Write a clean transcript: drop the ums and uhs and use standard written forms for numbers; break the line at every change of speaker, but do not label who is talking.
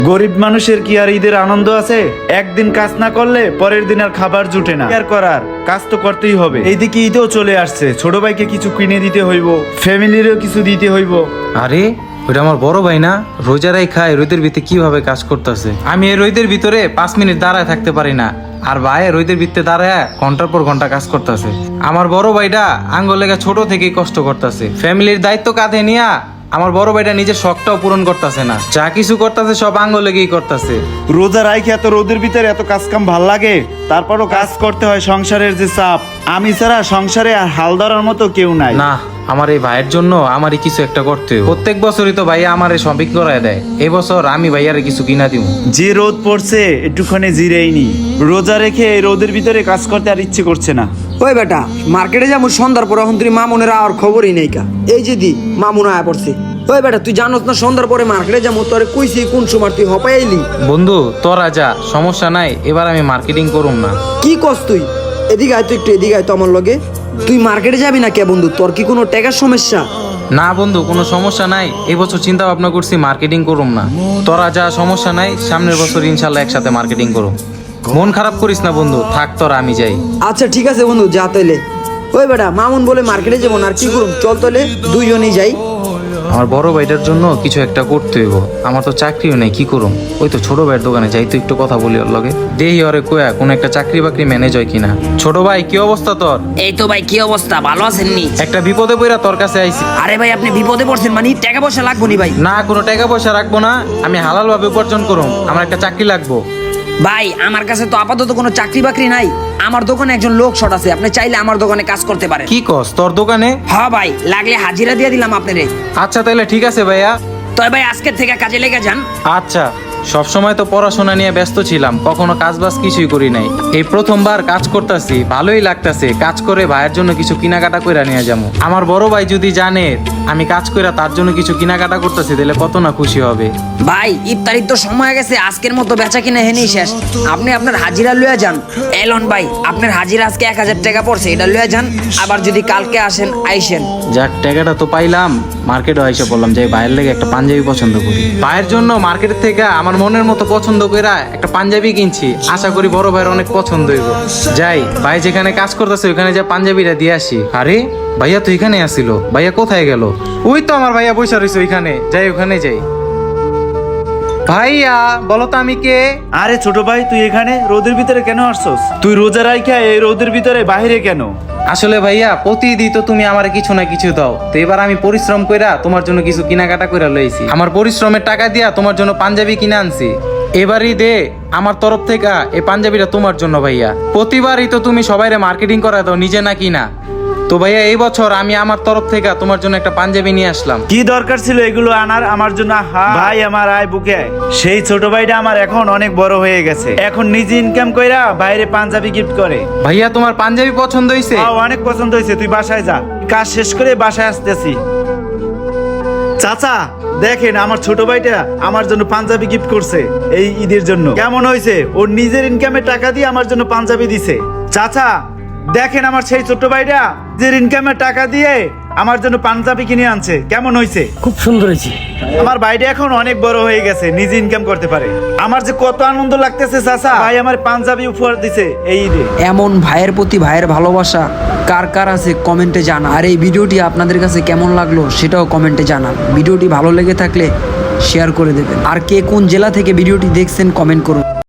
গরিব মানুষের কি আর ঈদের আনন্দ আছে? একদিন কাজ না করলে পরের দিন আর খাবার জুটে না। কি আর করার, কাজ তো করতেই হবে। এইদিকে ঈদও চলে আসছে, ছোট ভাইকে কিছু কিনে দিতে হইব, ফ্যামিলিরও কিছু দিতে হইব।
আরে ওইটা আমার বড় ভাই না? রোজারাই খায়, রোদের ভিতরে কিভাবে কাজ করতেছে। আমি এই রোদের ভিতরে 5 মিনিট দাঁড়ায় থাকতে পারি না, আর ভাই রোদের ভিতরে দাঁড়ায় ঘন্টার পর ঘন্টা কাজ করতেছে। আমার বড় ভাইটা আঙ্গুল লেগে ছোট থেকেই কষ্ট করতেছে, ফ্যামিলির দায়িত্ব কাঁধে নিয়া আমার বড় ভাইটা নিজের শখটাও পূরণ করতেছে না, যা কিছু করতেছে সব আঙ্গুল লেগেই করতেছে।
রোজা রাইখে এত রোদের ভিতরে এত কাজ কাম ভাল লাগে, তারপরও কাজ করতে হয়, সংসারের যে চাপ। আমি ছাড়া সংসারে আর হাল ধরার মতো কেউ নাই।
না, আমার এই ভাইয়ের জন্য আমারই কিছু একটা করতে হবে। প্রত্যেক বছরই তো ভাইয়া আমারে শপিং করায় দেয়, এবছর আমি ভাইয়ারে কিছু কিনা দিব।
যে রোদ পড়ছে একটুখানি জিরেই নি, রোজা রেখে এই রোদের ভিতরে কাজ করতে আর ইচ্ছে করছে না।
ওই বেটা, মার্কেটে যাবো সন্ধ্যার পরে, এখন তুই মামুনের আর খবরই নেই কা। এই যে দি মামুন আয়া পড়ছে। ওই বেটা, তুই জানোস না সন্ধ্যার পরে মার্কেটে যাবো? তোরে কইছি কোন সময় তুই হপাই আইলি।
বন্ধু তোরা যা, সমস্যা নাই, এবার আমি মার্কেটিং করুম না।
কি কস তুই? এদিকে আয় তো, একটু এদিকে আয় তো আমার লগে। তুই মার্কেটে যাবি না কে বন্ধু? তোর কি কোনো টাকার সমস্যা?
না বন্ধু, কোনো সমস্যা নাই, এবছর চিন্তা ভাবনা করছি মার্কেটিং করুম না। তোরা যা, সমস্যা নাই, সামনের বছর ইনশাল্লাহ একসাথে মার্কেটিং করুম। মন খারাপ করিস না বন্ধু, থাক তোরা, আমি যাই।
আচ্ছা ঠিক আছে বন্ধু, যা তাইলে। ওই বেটা, মামুন বলে মার্কেটে যাবো না, আর কি করুম? চল তাহলে দুইজনেই যাই।
আমার বড় ভাইটার জন্য কিছু একটা করতে হইব, আমার তো চাকরিও নেই, কি করুম? ওই তো ছোট ভাইয়ের দোকানে যাই, তো একটু কথা বলি ওর লগে, দেহি ওরে কোয়া কোন একটা চাকরি বাকরি ম্যানেজ হয় কিনা। ছোট ভাই, কি অবস্থা তোর?
এই তো ভাই, কি অবস্থা? ভালো আছেন নি?
একটা বিপদে পড়া তোর কাছে আইছি।
আরে ভাই, আপনি বিপদে পড়ছেন মানে টাকা পয়সা লাগবো নি ভাই?
না, কোনো টাকা পয়সা রাখবো না, আমি হালাল ভাবে উপার্জন করুম, আমার একটা চাকরি লাগবো।
ভাই, আমার কাছে তো আপাতত কোনো চাকরি বাকরি নাই। আমার দোকানে একজন লোক শট আছে, আপনি চাইলে আমার দোকানে কাজ করতে পারেন।
কি কস, তোর দোকানে?
হ্যাঁ ভাই, লাগলে হাজিরা দিয়ে দিলাম আপনারে।
আচ্ছা তাহলে ঠিক আছে ভাইয়া।
তবে ভাই, আজকের থেকে কাজে লেগে যান।
আচ্ছা, সবসময় তো পড়াশোনা নিয়ে ব্যস্ত ছিলাম, কখনো কাজ বাজ কিছুই করি নাই, এই প্রথমবার কাজ করতেছি, ভালোই লাগতেছে। কাজ করে ভাইয়ের জন্য কিছু কেনাকাটা করে নিয়ে যাবো। আমার বড় ভাই যদি জানে আমি কাজ করে তার জন্য কিছু কেনাকাটা করতেছি, তাহলে কত না খুশি হবে।
ভাই, ইফতারির তো সময় গেছে, আজকের মতো বেচা কিনা হেনেই শেষ। আপনি আপনার হাজিরা লইয়া যান। এলন ভাই, আপনার হাজিরা আজকে 1000 টাকা পড়ছে, এটা লইয়া যান। আবার যদি কালকে আসেন আইসেন।
যাক, টাকাটা তো পাইলাম, মার্কেটে এসে বললাম যে ভাইয়ের লেগে একটা পাঞ্জাবি পছন্দ করি। ভাইয়ের জন্য মার্কেট থেকে আমার মনের মতো পছন্দ করে একটা পাঞ্জাবি কিনছি, আশা করি বড় ভাইয়ের অনেক পছন্দ হইব। যাই, ভাই যেখানে কাজ করতেছে ওইখানে যা পাঞ্জাবিটা দিয়ে আসি। আরে ভাইয়া তো এখানে আসিল, ভাইয়া কোথায় গেল? ওই তো আমার ভাইয়া বসে রয়েছে ওইখানে, যাই ওখানে যাই। ভাইয়া বলো তো আমি কে?
আরে ছোট ভাই, তুই এখানে রোদের ভিতরে কেন আসছস? তুই রোজা রাইখা এই রোদের ভিতরে বাইরে কেন?
আসলে ভাইয়া প্রতিদিন তো তুমি আমার কিছু না কিছু দাও, তো এবার আমি পরিশ্রম কইরা তোমার জন্য কিছু কেনাকাটা কইরা লইছি। আমার পরিশ্রমের টাকা দিয়া তোমার জন্য পাঞ্জাবি কিনে আনছি। এবারই দে আমার তরফ থেকে এই পাঞ্জাবিটা তোমার জন্য ভাইয়া। প্রতিবারই তো তুমি সবাইরে মার্কেটিং করা দাও, নিজে না কিনা। তো ভাইয়া এই বছর আমি আমার তরফ থেকে তোমার জন্য একটা পাঞ্জাবি নিয়ে আসলাম।
কি দরকার ছিল এগুলো আনার আমার জন্য? ভাই আমার আয় বুকে আয়। সেই ছোট ভাইটা আমার এখন অনেক বড় হয়ে গেছে, এখন নিজে ইনকাম কইরা বাইরে পাঞ্জাবি গিফট করে।
ভাইয়া তোমার পাঞ্জাবি পছন্দ হয়েছে?
অনেক পছন্দ হয়েছে, তুই বাসায় যা, কাজ শেষ করে বাসায় আসতেছি। চাচা দেখেন, আমার ছোট ভাইটা আমার জন্য পাঞ্জাবি গিফট করছে এই ঈদের জন্য। কেমন হয়েছে? ওর নিজের ইনকামের টাকা দিয়ে আমার জন্য পাঞ্জাবি দিছে। চাচা দেখেন, আমার সেই ছোট ভাইটা নিজের ইনকামের টাকা দিয়ে আমার জন্য পাঞ্জাবি কিনে আনছে। কেমন হয়েছে?
খুব সুন্দর হয়েছে।
আমার ভাইটা এখন অনেক বড় হয়ে গেছে, নিজে ইনকাম করতে পারে। আমার যে কত আনন্দ লাগতেছে চাচা, ভাই আমার পাঞ্জাবি উপহার দিছে এই ঈদে।
এমন ভাইয়ের প্রতি ভাইয়ের ভালোবাসা কার কার আছে কমেন্টে জানা। আর এই ভিডিওটি আপনাদের কাছে কেমন লাগলো সেটাও কমেন্টে জানান। ভিডিওটি ভালো লেগে থাকলে শেয়ার করে দেবেন। আর কে কোন জেলা থেকে ভিডিওটি দেখছেন কমেন্ট করুন।